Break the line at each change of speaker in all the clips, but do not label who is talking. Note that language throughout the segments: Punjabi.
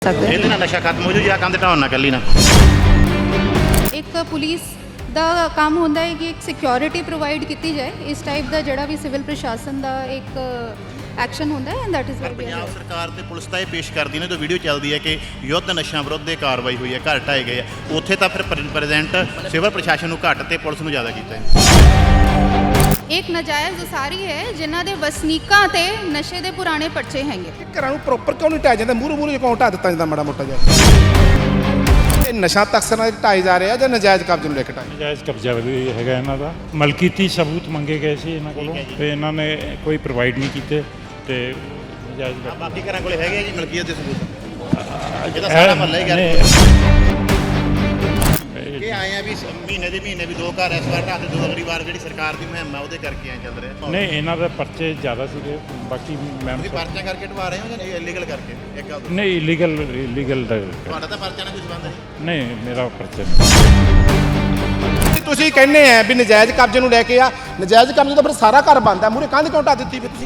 ਇਹਦੇ ਨਾਲ ਨਸ਼ਾ ਖਤਮ ਹੋ ਜੂ ਜਾਂ ਕੰਧ ਢਾਉਣ ਨਾ ਕੱਲੀ ਨਾ।
ਇੱਕ ਪੁਲਿਸ ਦਾ ਕੰਮ ਹੁੰਦਾ ਹੈ ਕਿ ਇੱਕ ਸਿਕਿਉਰਿਟੀ ਪ੍ਰੋਵਾਈਡ ਕੀਤੀ ਜਾਏ। ਇਸ ਟਾਈਪ ਦਾ ਜਿਹੜਾ ਵੀ ਸਿਵਲ ਪ੍ਰਸ਼ਾਸਨ ਦਾ ਇੱਕ ਐਕਸ਼ਨ ਹੁੰਦਾ ਹੈ ਐਂਡ ਦੈਟ ਇਜ਼
ਪੰਜਾਬ ਸਰਕਾਰ ਤੇ ਪੁਲਿਸ ਤਾਂ ਇਹ ਪੇਸ਼ ਕਰਦੀ ਨੇ, ਜੋ ਵੀਡੀਓ ਚੱਲਦੀ ਹੈ ਕਿ ਯੁੱਧ ਨਸ਼ਿਆਂ ਵਿਰੁੱਧ ਦੇ ਕਾਰਵਾਈ ਹੋਈ ਹੈ, ਘਰ ਢਾਏ ਗਏ ਆ, ਉੱਥੇ ਤਾਂ ਫਿਰ ਪ੍ਰੈਜ਼ੈਂਟ ਸਿਵਲ ਪ੍ਰਸ਼ਾਸਨ ਨੂੰ ਘੱਟ ਤੇ ਪੁਲਿਸ ਨੂੰ ਜ਼ਿਆਦਾ ਕੀਤਾ ਹੈ।
ਇੱਕ ਨਜਾਇਜ਼ ਉਸਾਰੀ ਹੈ ਜਿਨ੍ਹਾਂ ਦੇ ਵਸਨੀਕਾਂ ਤੇ ਨਸ਼ੇ ਦੇ ਪੁਰਾਣੇ ਪਰਚੇ ਹੈਗੇ।
ਘਰਾਂ ਨੂੰ ਪ੍ਰੋਪਰ ਕਿਉਂ ਨਹੀਂ ਢਾਇਆ ਜਾਂਦਾ? ਮੂਹਰੇ ਕਿਉਂ ਢਾ ਦਿੱਤਾ ਜਾਂਦਾ ਮਾੜਾ ਮੋਟਾ ਜਿਹਾ? ਇਹ ਨਸ਼ਾ ਤਕਸਰਾਂ ਦੇ ਢਾਏ ਜਾ ਰਿਹਾ ਜਾਂ ਨਜਾਇਜ਼ ਕਬਜ਼ੇ ਨੂੰ ਲੈ ਕੇ ਢਾਏ?
ਨਜਾਇਜ਼ ਕਬਜ਼ਾ ਵੀ ਹੈਗਾ ਇਹਨਾਂ ਦਾ। ਮਲਕੀਤੀ ਸਬੂਤ ਮੰਗੇ ਗਏ ਸੀ ਇਹਨਾਂ ਕੋਲੋਂ ਤੇ ਇਹਨਾਂ ਨੇ ਕੋਈ ਪ੍ਰੋਵਾਈਡ ਨਹੀਂ ਕੀਤੇ ਤੇ ਨਜਾਇਜ਼
ਬਾਕੀ ਘਰਾਂ ਕੋਲੇ ਹੈਗੇ ਜੀ ਮਲਕੀਅਤ ਦੇ ਸਬੂਤ। ਇਹਦਾ ਸਾਰਾ ਮਹੱਲਾ ਹੀ ਗਿਆ ਕਿ ਆਏ ਆ ਵੀ ਮਹੀਨੇ ਵੀ ਦੋ ਘਰ ਇਸ ਵਾਰ ਢਾਹ ਤੇ ਦੋ ਅਗਲੀ ਵਾਰ ਜਿਹੜੀ ਸਰਕਾਰ ਦੀ ਮੁਹਿੰਮ ਆ ਉਹਦੇ ਕਰਕੇ ਐ ਚੱਲ ਰਿਹਾ।
ਨਹੀਂ, ਇਹਨਾਂ ਦਾ ਪਰਚੇ ਜ਼ਿਆਦਾ ਸੀਗੇ। ਬਾਕੀ ਮੈਂ
ਤੁਸੀਂ ਪਰਚਾ ਕਰਕੇ ਢਵਾ ਰਹੇ ਹੋ ਜਾਂ ਇਲੀਗਲ ਕਰਕੇ? ਇੱਕ ਗੱਲ
ਨਹੀਂ, ਇਲੀਗਲ
ਤੁਹਾਡਾ ਤਾਂ ਪਰਚਾ ਨਾਲ ਕੋਈ ਸੰਬੰਧ ਨਹੀਂ?
ਨਹੀਂ, ਮੇਰਾ ਪਰਚਾ ਨਹੀਂ।
ਤੁਸੀਂ ਕਹਿੰਦੇ ਆ ਵੀ ਨਜਾਇਜ਼ ਕਬਜ਼ੇ ਨੂੰ ਲੈ ਕੇ ਆ, ਨਜਾਇਜ਼ ਕਬਜ਼ੇ ਤਾਂ ਫਿਰ ਸਾਰਾ ਘਰ ਬੰਦ ਆ, ਮੂਹਰੇ ਕੰਧ ਕਿਉਂ ਢਾ ਦਿੱਤੀ ਫਿਰ ਤੁਸੀਂ?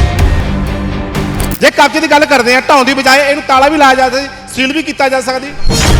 ਜੇ ਕਬਜ਼ੇ ਦੀ ਗੱਲ ਕਰਦੇ ਆ, ਢਾਉਣ ਦੀ ਬਜਾਏ ਇਹਨੂੰ ਤਾਲਾ ਵੀ ਲਾਇਆ ਜਾ ਸਕਦਾ, ਸੀਲ ਵੀ ਕੀਤਾ ਜਾ ਸਕਦੀ।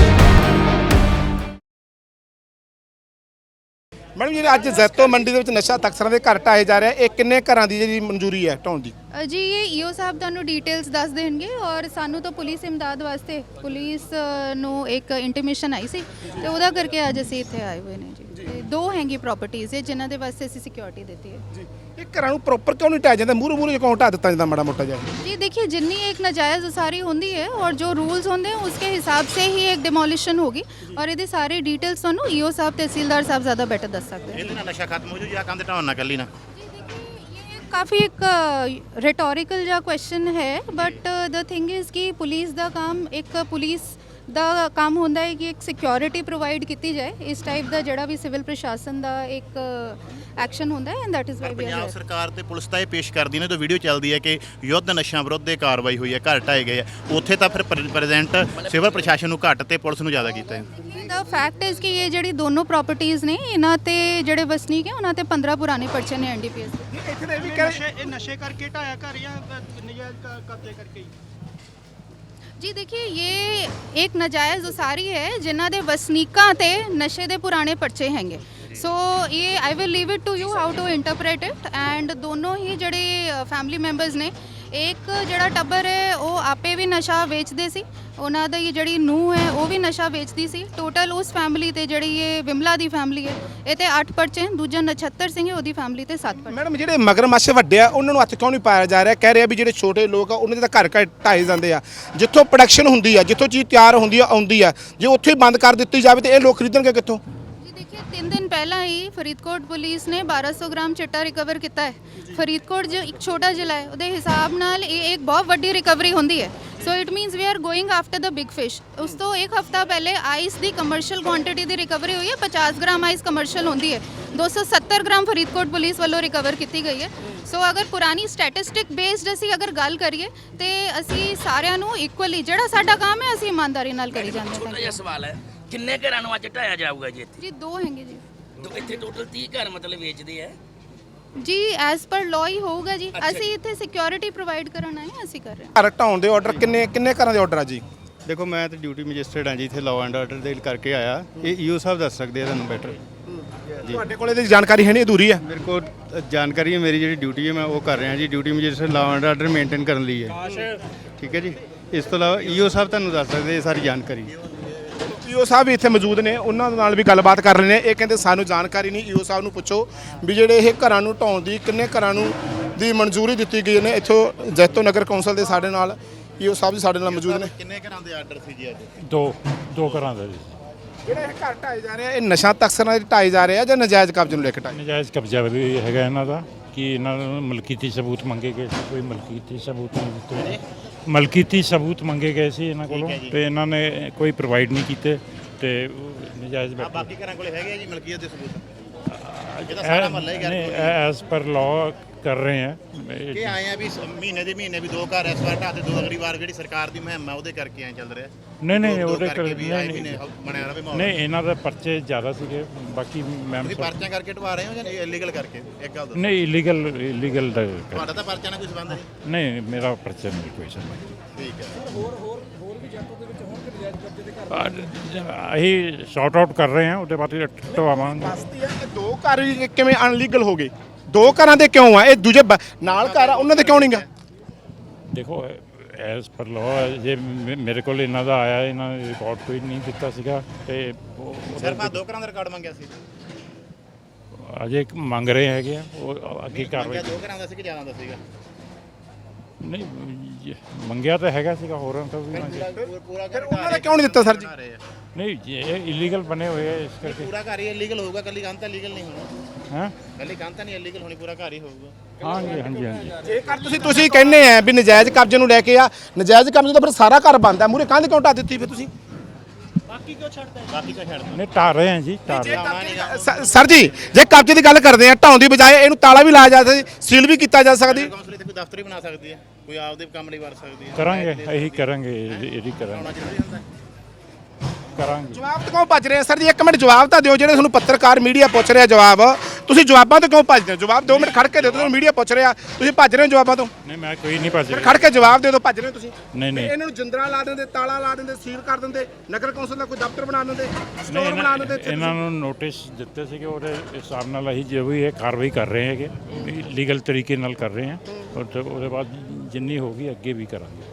ਮੈਡਮ ਜਿਹੜੇ ਅੱਜ ਜ਼ੈਤੋ ਮੰਡੀ ਦੇ ਵਿੱਚ ਨਸ਼ਾ ਤਕਸਰਾਂ ਦੇ ਘਰ ਢਾਏ ਜਾ ਰਿਹਾ, ਇਹ ਕਿੰਨੇ ਘਰਾਂ ਦੀ ਜਿਹੜੀ ਮਨਜ਼ੂਰੀ ਹੈ ਢਾਉਣ ਦੀ?
ਜੀ ਇਹ ਈਓ ਸਾਹਿਬ ਤੁਹਾਨੂੰ ਡਿਟੇਲਸ ਦੱਸ ਦੇਣਗੇ ਔਰ ਸਾਨੂੰ ਤਾਂ ਪੁਲਿਸ ਇਮਦਾਦ ਵਾਸਤੇ ਪੁਲਿਸ ਨੂੰ ਇੱਕ ਇੰਟੀਮੇਸ਼ਨ ਆਈ ਸੀ ਤੇ ਉਹਦਾ ਕਰਕੇ ਅੱਜ ਅਸੀਂ ਇੱਥੇ ਆਏ ਹੋਏ ਨੇ ਜੀ। ਤੇ ਦੋ ਹੈਗੀ ਪ੍ਰਾਪਰਟੀਆਂ ਜਿਨ੍ਹਾਂ ਦੇ ਵਾਸਤੇ ਅਸੀਂ ਸਿਕਿਉਰਿਟੀ ਦਿੱਤੀ ਹੈ ਜੀ।
ਇਹ ਘਰਾਂ ਨੂੰ ਪ੍ਰੋਪਰ ਕਿਉਂ ਨਹੀਂ ਢਾਇਆ ਜਾਂਦਾ? ਮੂਹਰੇ ਕਿਉਂ ਢਾ ਦਿੱਤਾ ਜਾਂਦਾ ਮਾੜਾ ਮੋਟਾ ਜਿਹਾ?
जी देखिए, जितनी एक नाजायज़ उसारी होती है और जो रूल्स होंगे उसके हिसाब से ही एक डिमोलिशन होगी और ये सारी डिटेल्स ਤੁਹਾਨੂੰ ईओ साहब तहसीलदार साहब ज़्यादा बेटर दस सकते हैं।
ਇਹਦੇ ਨਾਲ ਨਸ਼ਾ ਖਤਮ ਹੋ ਜੂ ਜਾਂ ਕੰਧ ਢਾਉਣ ਨਾ ਕੱਲੀ ਨਾ?
काफ़ी एक रिटोरिकल जा क्वेश्चन है बट द थिंग इज़ कि पुलिस ਦਾ ਕੰਮ ਇੱਕ ਪੁਲਿਸ ਦਾ ਕੰਮ ਹੁੰਦਾ ਹੈ ਕਿ ਇੱਕ ਸਿਕਿਉਰਿਟੀ ਪ੍ਰੋਵਾਈਡ ਕੀਤੀ ਜਾਏ। ਇਸ ਟਾਈਪ ਦਾ ਜਿਹੜਾ ਵੀ ਸਿਵਲ ਪ੍ਰਸ਼ਾਸਨ ਦਾ ਇੱਕ ਐਕਸ਼ਨ ਹੁੰਦਾ ਹੈ and that is why
Punjab ਸਰਕਾਰ ਤੇ ਪੁਲਿਸ ਤਾਂ ਇਹ ਪੇਸ਼ ਕਰਦੀ ਨੇ, ਜੋ ਵੀਡੀਓ ਚੱਲਦੀ ਹੈ ਕਿ ਯੁੱਧ ਨਸ਼ਿਆਂ ਵਿਰੁੱਧ ਦੇ ਕਾਰਵਾਈ ਹੋਈ ਹੈ, ਘਰ ਢਾਏ ਗਏ ਆ, ਉੱਥੇ ਤਾਂ ਫਿਰ ਪ੍ਰੈਜ਼ੈਂਟ ਸਿਵਲ ਪ੍ਰਸ਼ਾਸਨ ਨੂੰ ਘੱਟ ਤੇ ਪੁਲਿਸ ਨੂੰ ਜ਼ਿਆਦਾ ਕੀਤਾ ਹੈ।
ਦਾ ਫੈਕਟ ਇਜ਼ ਕਿ ਇਹ ਜਿਹੜੀ ਦੋਨੋਂ ਪ੍ਰਾਪਰਟੀਆਂ ਨੇ ਇਹਨਾਂ ਤੇ ਜਿਹੜੇ ਵਸਨੀਕ ਹੈ ਉਹਨਾਂ ਤੇ 15 ਪੁਰਾਣੇ ਪਰਚੇ ਨੇ ਐਨਡੀਪੀਐਸ ਦੇ।
ਇੱਥੇ ਦੇ ਵੀ
ਇਹ ਨਸ਼ੇ ਕਰਕੇ ਢਾਇਆ ਘਰ ਜਾਂ ਨਜਾਇਜ਼ ਕਬਜ਼ੇ ਕਰਕੇ ਹੀ?
जी देखिए, ये एक नाजायज़ उसारी है जिन्हों के वसनीकों ते नशे के पुराने पर्चे हैंगे। सो ये I will leave it to you how to interpret it and दोनों ही जड़े फैमिली मैंबर्स ने, एक जड़ा टब्बर है वो आपे भी नशा बेचते सी, उन्हों दी जड़ी नूह है वो भी नशा बेचती सी। टोटल उस फैमिली ते जड़ी ये विमला दी फैमिली है ये ते 8 पर्चे, दूजा नछत्तर सिंह है ਉਹਦੀ ਫੈਮਿਲੀ ਤੇ 7 पर्चे।
ਮੈਡਮ ਜਿਹੜੇ ਮਗਰਮੱਛ ਵੱਡੇ ਆ ਉਹਨਾਂ ਨੂੰ ਹੱਥ ਕਿਉਂ ਨਹੀਂ ਪਾਇਆ ਜਾ ਰਿਹਾ? ਕਹਿ ਰਿਹਾ ਵੀ ਜਿਹੜੇ ਛੋਟੇ ਲੋਕ ਆ ਉਹਨਾਂ ਦੇ ਤਾਂ ਘਰ ਢਾਏ ਜਾਂਦੇ ਆ, ਜਿੱਥੋਂ ਪ੍ਰੋਡਕਸ਼ਨ ਹੁੰਦੀ ਆ, ਜਿੱਥੋਂ ਚੀਜ਼ ਤਿਆਰ ਹੁੰਦੀ ਆ ਆਉਂਦੀ ਆ, ਜੇ ਉੱਥੇ ਹੀ ਬੰਦ ਕਰ ਦਿੱਤੀ ਜਾਵੇ ਤੇ ਇਹ ਲੋਕ ਖਰੀਦਣਗੇ ਕਿੱਥੋਂ?
देखिए 3 दिन पहला ही फरीदकोट पुलिस ने 1200 ग्राम चिट्टा रिकवर किया है। फरीदकोट जो एक छोटा जिला है ਉਹਦੇ ਹਿਸਾਬ ਨਾਲ ਇਹ ਇੱਕ ਬਹੁਤ ਵੱਡੀ ਰਿਕਵਰੀ ਹੁੰਦੀ ਹੈ। So it means we are going after the big fish. ਉਸ ਤੋਂ ਇੱਕ ਹਫਤਾ ਪਹਿਲੇ ਆਈਸ ਦੀ ਕਮਰਸ਼ੀਅਲ ਕੁਆਂਟੀਟੀ ਦੀ ਰਿਕਵਰੀ ਹੋਈ ਹੈ। 50 ਗ੍ਰਾਮ ਆਈਸ ਕਮਰਸ਼ੀਅਲ ਹੁੰਦੀ ਹੈ, 270 ਗ੍ਰਾਮ ਫਰੀਦਕੋਟ ਪੁਲਿਸ ਵੱਲੋਂ ਰਿਕਵਰ ਕੀਤੀ ਗਈ ਹੈ। ਸੋ ਅਗਰ ਪੁਰਾਣੀ ਸਟੈਟਿਸਟਿਕ ਬੇਸਡ ਅਸੀਂ ਅਗਰ ਗੱਲ ਕਰੀਏ ਤੇ ਅਸੀਂ ਸਾਰਿਆਂ ਨੂੰ ਇਕੁਅਲੀ ਜਿਹੜਾ ਸਾਡਾ ਕੰਮ ਹੈ ਅਸੀਂ ਇਮਾਨਦਾਰੀ ਨਾਲ ਕਰੀ ਜਾਂਦੇ ਹਾਂ।
ਛੋਟਾ ਜਿਹਾ ਸਵਾਲ ਹੈ, ਕਿੰਨੇ ਘਰਾਂ ਨੂੰ ਅੱਜ ਢਾਇਆ ਜਾਊਗਾ ਜੀ ਇੱਥੇ?
ਜੀ 2 ਹੈਗੇ ਜੀ।
ਇੱਥੇ ਟੋਟਲ 30 ਘਰ ਮਤਲਬ ਵੇਚਦੇ ਆ
ਜੀ ਐਸ ਪਰ ਲਾਅ ਹੀ ਹੋਊਗਾ ਜੀ। ਅਸੀਂ ਇੱਥੇ ਸਿਕਿਉਰਿਟੀ ਪ੍ਰੋਵਾਈਡ ਕਰਨ ਆਏ ਹਾਂ, ਅਸੀਂ ਕਰ ਰਹੇ ਹਾਂ।
ਘਰ ਢਾਉਣ ਦੇ ਆਰਡਰ ਕਿੰਨੇ ਘਰਾਂ ਦੇ ਆਰਡਰ ਆ ਜੀ?
ਦੇਖੋ, ਮੈਂ ਤਾਂ ਡਿਊਟੀ ਮੈਜਿਸਟਰੇਟ ਹਾਂ ਜੀ, ਇੱਥੇ ਲਾਅ ਐਂਡ ਆਰਡਰ ਦੇ ਕਰਕੇ ਆਇਆ। ਇਹ ਈਓ ਸਾਹਿਬ ਦੱਸ ਸਕਦੇ ਆ ਤੁਹਾਨੂੰ ਬੈਟਰ ਜੀ।
ਤੁਹਾਡੇ ਕੋਲ ਇਹਦੀ ਜਾਣਕਾਰੀ ਹੈ ਨਹੀਂ, ਅਧੂਰੀ ਹੈ?
ਮੇਰੇ ਕੋਲ ਜਾਣਕਾਰੀ ਹੈ, ਮੇਰੀ ਜਿਹੜੀ ਡਿਊਟੀ ਹੈ ਮੈਂ ਉਹ ਕਰ ਰਿਹਾ ਜੀ। Duty magistrate law and order maintain ਕਰਨ ਲਈ ਹੈ, ਠੀਕ ਹੈ ਜੀ। ਇਸ ਤੋਂ ਇਲਾਵਾ ਈਓ ਸਾਹਿਬ ਤੁਹਾਨੂੰ ਦੱਸ ਸਕਦੇ ਇਹ ਸਾਰੀ ਜਾਣਕਾਰੀ।
ਈਓ ਸਾਹਿਬ ਵੀ ਇੱਥੇ ਮੌਜੂਦ ਨੇ, ਉਹਨਾਂ ਨਾਲ ਵੀ ਗੱਲਬਾਤ ਕਰ ਰਹੇ ਨੇ। ਇਹ ਕਹਿੰਦੇ ਸਾਨੂੰ ਜਾਣਕਾਰੀ ਨਹੀਂ। ਈਓ ਸਾਹਿਬ ਨੂੰ ਪੁੱਛੋ ਵੀ ਜਿਹੜੇ ਇਹ ਘਰਾਂ ਨੂੰ ਢਾਉਣ ਦੀ ਕਿੰਨੇ ਘਰਾਂ ਨੂੰ ਦੀ ਮਨਜ਼ੂਰੀ ਦਿੱਤੀ ਗਈ ਨੇ। ਇੱਥੋਂ ਜੈਤੋ ਨਗਰ ਕੌਂਸਲ ਦੇ ਸਾਡੇ ਨਾਲ ਈਓ ਸਾਹਿਬ ਵੀ ਸਾਡੇ ਨਾਲ ਮੌਜੂਦ ਨੇ।
ਕਿੰਨੇ ਘਰਾਂ ਦੇ ਆਰਡਰ ਸੀ ਜੀ ਅੱਜ?
ਦੋ ਘਰਾਂ ਦਾ ਜੀ।
ਜਿਹੜੇ ਇਹ ਘਰ ਢਾਏ ਜਾ ਰਹੇ ਆ, ਇਹ ਨਸ਼ਾ ਤਕਸਰਾਂ ਦੇ ਢਾਏ ਜਾ ਰਹੇ ਆ ਜਾਂ ਨਜਾਇਜ਼ ਕਬਜ਼ੇ ਨੂੰ ਲੈ ਕੇ ਢਾਏ?
ਨਜਾਇਜ਼ ਕਬਜ਼ਾ ਵੀ ਹੈਗਾ ਇਹਨਾਂ ਦਾ ਕਿ ਇਹਨਾਂ ਨੂੰ ਮਲਕੀਤੀ ਸਬੂਤ ਮੰਗੇ ਗਏ ਸੀ, ਕੋਈ ਮਲਕੀਤੀ ਸਬੂਤ ਨਹੀਂ ਦਿੱਤੇ। ਮਲਕੀਤੀ ਸਬੂਤ ਮੰਗੇ ਗਏ ਸੀ ਇਹਨਾਂ ਕੋਲੋਂ ਤੇ ਇਹਨਾਂ ਨੇ ਕੋਈ ਪ੍ਰੋਵਾਈਡ ਨਹੀਂ ਕੀਤੇ ਤੇ ਨਜਾਇਜ਼
ਬਾਕੀ ਘਰਾਂ ਕੋਲੇ ਹੈਗੇ ਜੀ ਮਲਕੀਅਤ ਦੇ ਸਬੂਤ? ਇਹਦਾ ਸਾਰਾ ਮਹੱਲਾ ਹੀ ਗਿਆ
ਐਸ ਪਰ ਲਾਅ ਕਰ ਰਹੇ ਆ
ਕਿ ਆਏ ਆ ਵੀ ਮਹੀਨੇ ਵੀ ਦੋ ਘਰ ਇਸ ਵਾਰ ਢਾਹ ਤੇ ਦੋ ਅਗਲੀ ਵਾਰ ਜਿਹੜੀ ਸਰਕਾਰ ਦੀ ਮੁਹਿੰਮ ਆ ਉਹਦੇ ਕਰਕੇ ਐ ਚੱਲ ਰਿਹਾ।
ਨਹੀਂ ਉਹਦੇ
ਬਣਿਆ ਰਵੇ ਮਾਹੌਲ।
ਨਹੀਂ, ਇਹਨਾਂ ਦੇ ਪਰਚੇ ਜ਼ਿਆਦਾ ਸੀਗੇ। ਬਾਕੀ ਮੈਂ
ਤੁਸੀਂ ਪਰਚਾ ਕਰਕੇ ਢਵਾ ਰਹੇ ਹੋ ਜਾਂ ਇਲੀਗਲ ਕਰਕੇ? ਇੱਕ ਗੱਲ ਦੱਸੋ।
ਨਹੀਂ, ਇਲੀਗਲ
ਤੁਹਾਡਾ ਤਾਂ ਪਰਚਾ ਨਾਲ ਕੋਈ ਸੰਬੰਧ ਨਹੀਂ?
ਨਹੀਂ, ਮੇਰਾ ਪਰਚਾ ਨਹੀਂ ਕੋਈ ਸੰਬੰਧ।
ਠੀਕ ਹੈ।
ਹੋਰ ਵੀ ਜੈਤੋ ਦੇ
ਅਸੀਂ ਸ਼ਾਰਟ ਆਊਟ ਕਰ ਰਹੇ ਹਾਂ, ਉਹਦੇ ਬਾਅਦ ਢਵਾਵਾਂਗੇ।
ਦੱਸਦੀ ਹੈ ਕਿ 2 ਘਰ ਵੀ ਕਿਵੇਂ ਅਨਲੀਗਲ ਹੋ ਗਏ? 2 ਘਰਾਂ ਦੇ ਕਿਉਂ ਆ? ਇਹ ਦੂਜੇ ਨਾਲ ਘਰ ਆ ਉਹਨਾਂ ਦੇ ਕਿਉਂ ਨਹੀਂਗਾ?
ਦੇਖੋ ਐਸ ਪਰ ਲਾਅ ਜੇ ਮੇਰੇ ਕੋਲ ਇਹਨਾਂ ਦਾ ਆਇਆ, ਇਹਨਾਂ ਨੇ ਰਿਕਾਰਡ ਕੋਈ ਨਹੀਂ ਦਿੱਤਾ ਸੀਗਾ ਤੇ
ਸਿਰਫ ਆ 2 ਘਰਾਂ ਦਾ ਰਿਕਾਰਡ ਮੰਗਿਆ ਸੀ।
ਅਜੇ ਮੰਗ ਰਹੇ ਹੈਗੇ ਆ, ਉਹ ਅੱਗੇ ਕਾਰਵਾਈ।
2 ਘਰਾਂ ਦਾ ਸੀ ਕਿ ਜ਼ਿਆਦਾ ਦਾ ਸੀਗਾ?
ਨਹੀਂ ਮੰਗਿਆ ਤਾਂ ਹੈਗਾ ਸੀਗਾ, ਹੋਰਾਂ ਤੋਂ ਵੀ ਮੰਗਿਆ।
ਪੂਰਾ
ਫਿਰ ਉਹਨਾਂ ਨੇ ਕਿਉਂ ਨਹੀਂ ਦਿੱਤਾ ਸਰ ਜੀ?
ਨਹੀਂ ਇਹ ਇਲੀਗਲ ਬਣੇ ਹੋਏ ਆ, ਇਸ ਕਰਕੇ।
ਪੂਰਾ ਘਰ ਹੀ ਇਲੀਗਲ ਹੋਊਗਾ, ਕੱਲੀ ਕੰਧ ਤਾਂ ਲੀਗਲ ਨਹੀਂ ਹੋਣਾ।
ਹਾਂ
ਕੱਲੀ ਕੰਧ ਤਾਂ ਨਹੀਂ ਇਲੀਗਲ ਹੋਣੀ, ਪੂਰਾ ਘਰ ਹੀ ਹੋਊਗਾ।
ਹਾਂਜੀ ਹਾਂਜੀ ਹਾਂਜੀ।
ਜੇਕਰ ਤੁਸੀਂ ਕਹਿੰਦੇ ਆ ਵੀ ਨਜਾਇਜ਼ ਕਬਜ਼ੇ ਨੂੰ ਲੈ ਕੇ ਆ, ਨਜਾਇਜ਼ ਕਬਜ਼ੇ ਤਾਂ ਫਿਰ ਸਾਰਾ ਘਰ ਬੰਦ ਆ, ਮੂਰੇ ਕੰਧ ਕਿਉਂ ਢਾ ਦਿੱਤੀ ਫਿਰ ਤੁਸੀਂ?
ਬਾਕੀ ਕਿਉਂ ਛੱਡਦਾ?
ਨਹੀਂ ਢਾਹ ਰਹੇ ਹਾਂ ਜੀ, ਢਾਹ ਰਹੇ ਹਾਂ।
ਸਰ ਜੀ ਜੇ ਕਬਜ਼ੇ ਦੀ ਗੱਲ ਕਰਦੇ ਆ, ਢਾਉਣ ਦੀ ਬਜਾਏ ਇਹਨੂੰ ਤਾਲਾ ਵੀ ਲਾਇਆ ਜਾ ਸਕਦਾ, ਸੀਲ ਵੀ ਕੀਤਾ ਜਾ ਸਕਦੀ।
ਕੌਂਸਲ ਇੱਥੇ ਕੋਈ ਦਫ਼ਤਰ ਹੀ ਬਣਾ ਸਕਦੀ ਹੈ, ਕੋਈ ਆਪਦੇ ਕੰਮ ਲਈ ਵਰਤ ਸਕਦੀ ਹੈ।
ਕਰਾਂਗੇ, ਇਹੀ ਕਰਾਂਗੇ, ਇਹੀ ਕਰਾਂਗੇ,
ਹੋਣਾ ਜ਼ਰੂਰੀ ਹੁੰਦਾ ਹੈ।
ਕਰਾਂਗੇ।
ਜਵਾਬ ਤੋਂ ਕਿਉਂ ਭੱਜ ਰਹੇ ਆ ਸਰ ਜੀ? 1 ਮਿੰਟ ਜਵਾਬ ਤਾਂ ਦਿਓ, ਜਿਹੜੇ ਤੁਹਾਨੂੰ ਪੱਤਰਕਾਰ ਮੀਡੀਆ ਪੁੱਛ ਰਿਹਾ ਜਵਾਬ, ਤੁਸੀਂ ਜਵਾਬਾਂ ਤੋਂ ਕਿਉਂ ਭੱਜਦੇ ਹੋ? ਜਵਾਬ 2 ਮਿੰਟ ਖੜ ਕੇ ਦਿਓ, ਤੁਹਾਨੂੰ ਮੀਡੀਆ ਪੁੱਛ ਰਿਹਾ, ਤੁਸੀਂ ਭੱਜ ਰਹੇ ਹੋ ਜਵਾਬਾਂ ਤੋਂ।
ਨਹੀਂ ਮੈਂ ਕੋਈ ਨਹੀਂ ਭੱਜ
ਫਿਰ
ਰਿਹਾ।
ਖੜ ਕੇ ਜਵਾਬ ਦੇ ਦਿਓ, ਭੱਜ ਰਹੇ ਹੋ ਤੁਸੀਂ।
ਨਹੀਂ ਨਹੀਂ
ਇਹਨਾਂ ਨੂੰ ਜਿੰਦਰਾ ਲਾ ਦਿੰਦੇ, ਤਾਲਾ ਲਾ ਦਿੰਦੇ, ਸੀਲ ਕਰ ਦਿੰਦੇ, ਨਗਰ ਕੌਂਸਲ ਦਾ ਕੋਈ ਦਫ਼ਤਰ ਬਣਾ ਦਿੰਦੇ,
ਨਹੀਂ,
ਸਟੋਰ ਬਣਾ ਦਿੰਦੇ।
ਇਹਨਾਂ ਨੂੰ ਨੋਟਿਸ ਦਿੱਤੇ ਸੀਗੇ, ਉਹਦੇ ਹਿਸਾਬ ਨਾਲ ਅਸੀਂ ਜੋ ਵੀ ਇਹ ਕਾਰਵਾਈ ਕਰ ਰਹੇ ਹੈਗੇ, ਲੀਗਲ ਤਰੀਕੇ ਨਾਲ ਕਰ ਰਹੇ ਹਾਂ, ਔਰ ਉਹਦੇ ਬਾਅਦ ਜਿੰਨੀ ਹੋਗੀ ਅੱਗੇ ਵੀ ਕਰਾਂਗੇ।